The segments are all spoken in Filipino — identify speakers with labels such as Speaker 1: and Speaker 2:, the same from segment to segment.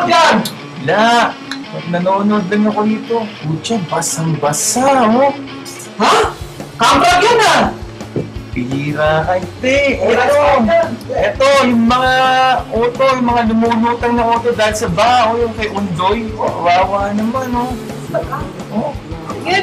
Speaker 1: yan?
Speaker 2: La, nanonood lang ako dito. Pucha, basang-basa, oh.
Speaker 1: Ha? Kamprag yan ah!
Speaker 2: Pihira ka, hindi. Ito, yung mga auto, yung mga lumulutang na auto dahil sa bao, yung kay Undoy. Wawa naman, oh. Oh,
Speaker 1: Yan.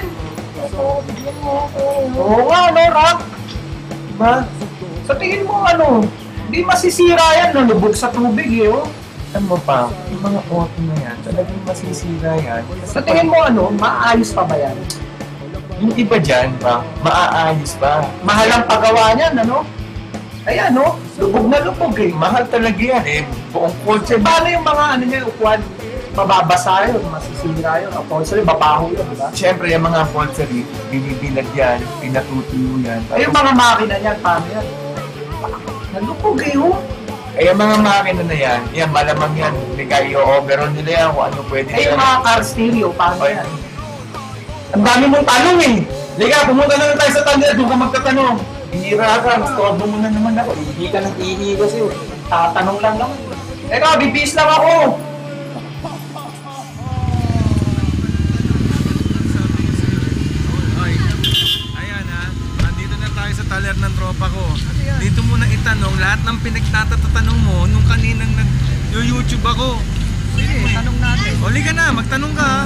Speaker 2: oo nga, no, Rock?
Speaker 1: Diba? Sa tingin mo ano, hindi masisira yan, nalubog sa tubig eh, oh.
Speaker 2: Alam mo pa, yung mga auto na yan, talagang masisira yan.
Speaker 1: Sa tingin mo ano, maayos pa ba yan?
Speaker 2: Yung iba dyan, pa, maaayos pa.
Speaker 1: Mahal ang paggawa niyan, ano? Ayan, no? Lubog na lubog eh.
Speaker 2: Mahal talaga yan, eh. Buong kotse.
Speaker 1: Paano yung mga ano niya, upuan? Mababasa yun, masisira yun. Upholstery, babaho yun, di ba?
Speaker 2: Siyempre, yung mga upholstery, binibilag yan, pinatutuyo yan.
Speaker 1: Ay, yung mga makina niyan, paano yan? Nalubog eh, oh.
Speaker 2: Eh, yung mga makina na yan, malamang yan. Hindi kayo overall nila yan, kung ano pwede
Speaker 1: Ay, yung mga car stereo, paano
Speaker 2: Ay.
Speaker 1: yan?
Speaker 2: Ang dami mong tanong eh. Liga, pumunta na lang tayo sa tanong, doon ka magtatanong. Hihira ka, mastorbo mo na naman ako.
Speaker 1: Hindi ka nang ihi kasi, oh. Tatanong lang naman. Eka, bibis lang ako.
Speaker 3: Ayan ha, nandito na tayo sa taler ng tropa ko. Dito mo na itanong lahat ng pinagtatatanong mo nung kaninang nag-YouTube ako. Sige, tanong natin. O, liga na, magtanong ka.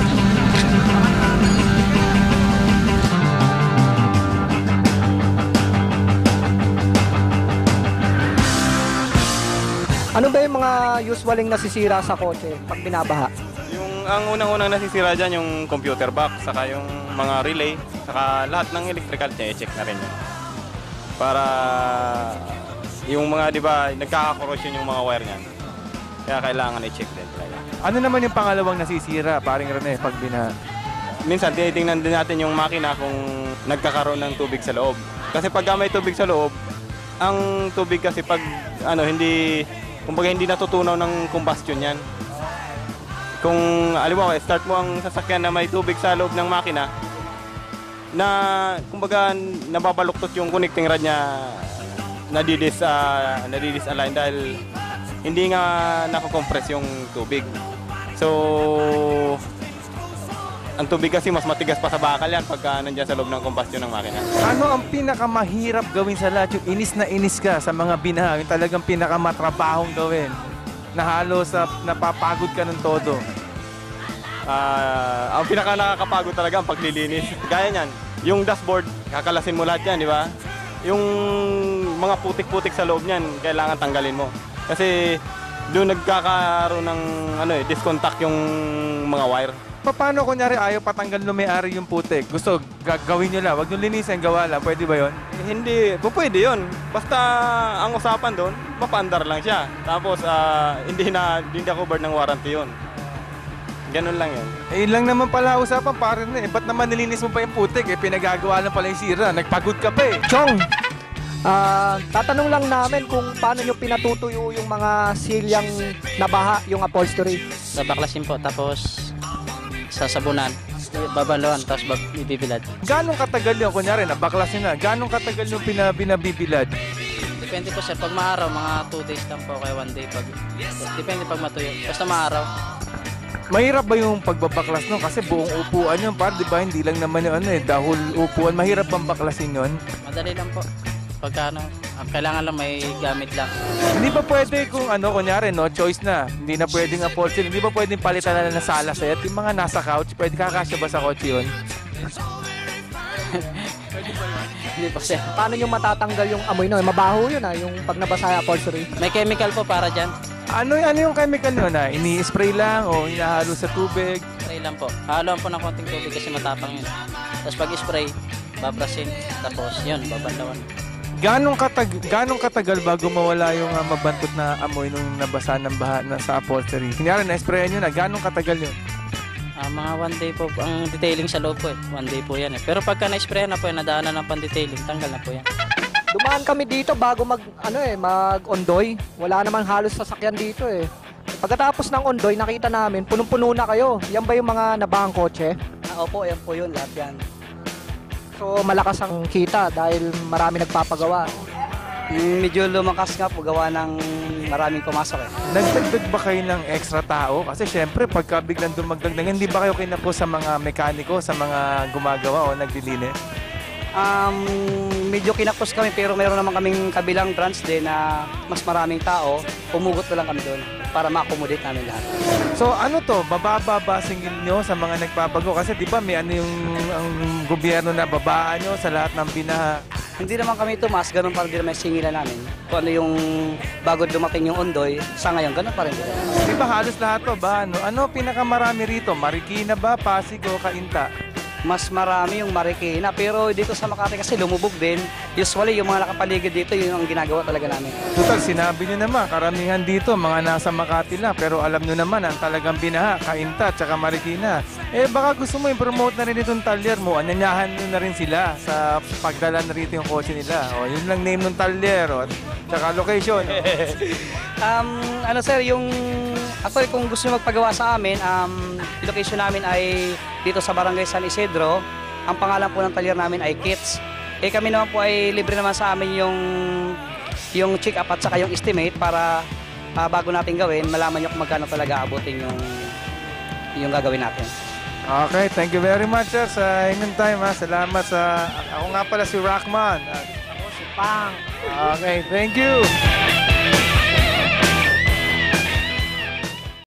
Speaker 4: Ano ba yung mga usualing nasisira sa kotse pag binabaha?
Speaker 5: Ang unang-unang nasisira dyan yung computer box, saka yung mga relay, saka lahat ng electrical niya, i-check na rin yun. Para yung mga, di ba, nagkakakorosyon yung mga wire niyan. Kaya kailangan i-check din talaga.
Speaker 3: Ano naman yung pangalawang nasisira, paring Rene, pag bina...
Speaker 5: Minsan, tinitingnan din natin yung makina kung nagkakaroon ng tubig sa loob. Kasi pag may tubig sa loob, ang tubig kasi pag, kumbaga hindi natutunaw ng combustion yan. Kung, alam start mo ang sasakyan na may tubig sa loob ng makina, na, kumbaga, nababaluktot yung connecting rod niya, nadidisalign dahil hindi nga nakakompress yung tubig. So, ang tubig kasi mas matigas pa sa bakal yan pagka nandiyan sa loob ng combustion ng makina.
Speaker 3: Ano ang pinakamahirap gawin sa lahat? Yung inis na inis ka sa mga binaha, yung talagang pinakamatrabahong gawin na halos napapagod ka ng todo.
Speaker 5: Ang pinaka nakakapagod talaga ang paglilinis. Gaya niyan, yung dashboard, kakalasin mo lahat yan, di ba? Yung mga putik-putik sa loob niyan, kailangan tanggalin mo. Kasi doon nagkakaroon ng discontact yung mga wire.
Speaker 3: Paano kunyari ayaw patanggal no may-ari yung putik? Gusto gagawin nyo lang, wag nyo linisin, gawa lang. Pwede ba yon?
Speaker 5: Hindi, pwede yun. Basta ang usapan doon, mapaandar lang siya. Tapos hindi na covered ng warranty yun. Ganun lang yun.
Speaker 3: Eh, lang naman pala usapan, pare na eh. Ba't naman nilinis mo pa yung putik? Eh, pinagagawa lang pala yung sira. Nagpagod ka pa eh.
Speaker 4: Chong, tatanong lang namin kung paano nyo pinatutuyo yung mga silyang nabaha, yung upholstery.
Speaker 6: Babaklasin po, tapos sasabunan, babaluan, tapos ibibilad.
Speaker 3: Ganong katagal yun? Kunyari, nabaklasin na. Ganong katagal yung pinabibilad?
Speaker 6: Depende po sir, pag maaraw, mga 2 days lang po, kaya 1 day. Depende pag matuyo. Basta maaraw.
Speaker 3: Mahirap ba yung pagbabaklas nun? Kasi buong upuan yun, par, di ba? Hindi lang naman yung dahol upuan. Mahirap bang baklasin yun?
Speaker 6: Madali lang po. Pagka kailangan lang may gamit lang.
Speaker 3: Hindi ba pwede kung kunyari, no, choice na. Hindi na pwedeng upholstery. Hindi ba pwedeng palitan na ng sala set? Yung mga nasa couch, pwede kakasya ba sa kotse yun?
Speaker 6: Hindi po sir.
Speaker 4: Paano nyo matatanggal yung amoy nun? Mabaho yun yung pag nabasa yung upholstery.
Speaker 6: May chemical po para dyan.
Speaker 3: Ano yung chemical nyo na? Ini-spray lang o hinahalo sa tubig?
Speaker 6: Spray lang po. Haluan po ng konting tubig kasi matapang yun. Tapos pag spray, babrasin. Tapos yun, babanlawan.
Speaker 3: Ganong katagal bago mawala yung mabantot na amoy nung nabasa ng baha na sa upholstery? Kunyari, na-sprayan nyo na. Ganong katagal yun?
Speaker 6: Mga 1 day po ang detailing sa loob po eh. 1 day po yan eh. Pero pagka na-sprayan na po yan, nadaanan ng pan-detailing, tanggal na po yan.
Speaker 4: Dumaan kami dito bago mag-ondoy. Wala namang halos sasakyan dito eh. Pagkatapos ng ondoy, nakita namin, punong-puno na kayo. Yan ba yung mga nabahang kotse?
Speaker 7: Opo, yan po yun, lahat yan.
Speaker 4: So malakas ang kita dahil marami nagpapagawa.
Speaker 7: Medyo lumakas nga po, gawa ng maraming pumasok eh.
Speaker 3: Nagdagdag ba kayo ng extra tao? Kasi syempre, pagka biglang dumagdag na, hindi ba kayo kinapos sa mga mekaniko, sa mga gumagawa o nagdilinis?
Speaker 7: Medyo kinapos kami pero mayroon naman kaming kabilang branch din na mas maraming tao. Pumugot na lang kami doon para ma-accommodate namin lahat.
Speaker 3: So ano to, bababa ba singil nyo sa mga nagpapago? Kasi di ba may ano yung ang gobyerno na babaan nyo sa lahat ng binaha?
Speaker 7: Hindi naman kami tumas, ganun pa rin naman yung singilan namin. Kung ano yung bago dumating yung Ondoy, sa ngayon, ganun pa rin.
Speaker 3: Di ba halos lahat to ba? Ano pinakamarami rito? Marikina ba, Pasig o Cainta?
Speaker 7: Mas marami yung Marikina, pero dito sa Makati kasi lumubog din. Usually, yung mga nakapaligid dito, yun ang ginagawa talaga namin.
Speaker 3: Total, sinabi nyo naman, karamihan dito, mga nasa Makati lang. Pero alam nyo naman, ang talagang binaha, Cainta, tsaka Marikina. Eh, baka gusto mo i-promote na rin itong talyer mo. Anyanyahan nyo na rin sila sa pagdala na rito yung kotse nila. O, yun lang name ng talyer, o, tsaka location.
Speaker 7: Ano sir, yung... Actually, kung gusto nyo magpagawa sa amin, location namin ay dito sa Barangay San Isidro. Ang pangalan po ng talyer namin ay Kits. Eh kami naman po ay libre naman sa amin yung check-up at saka yung estimate para bago natin gawin, malaman nyo kung magkano talaga abutin yung gagawin natin.
Speaker 3: Okay, thank you very much sir sa inyong time ha. Salamat sa... Ako nga pala si Rockman.
Speaker 4: Ako si Pang.
Speaker 3: Okay, thank you.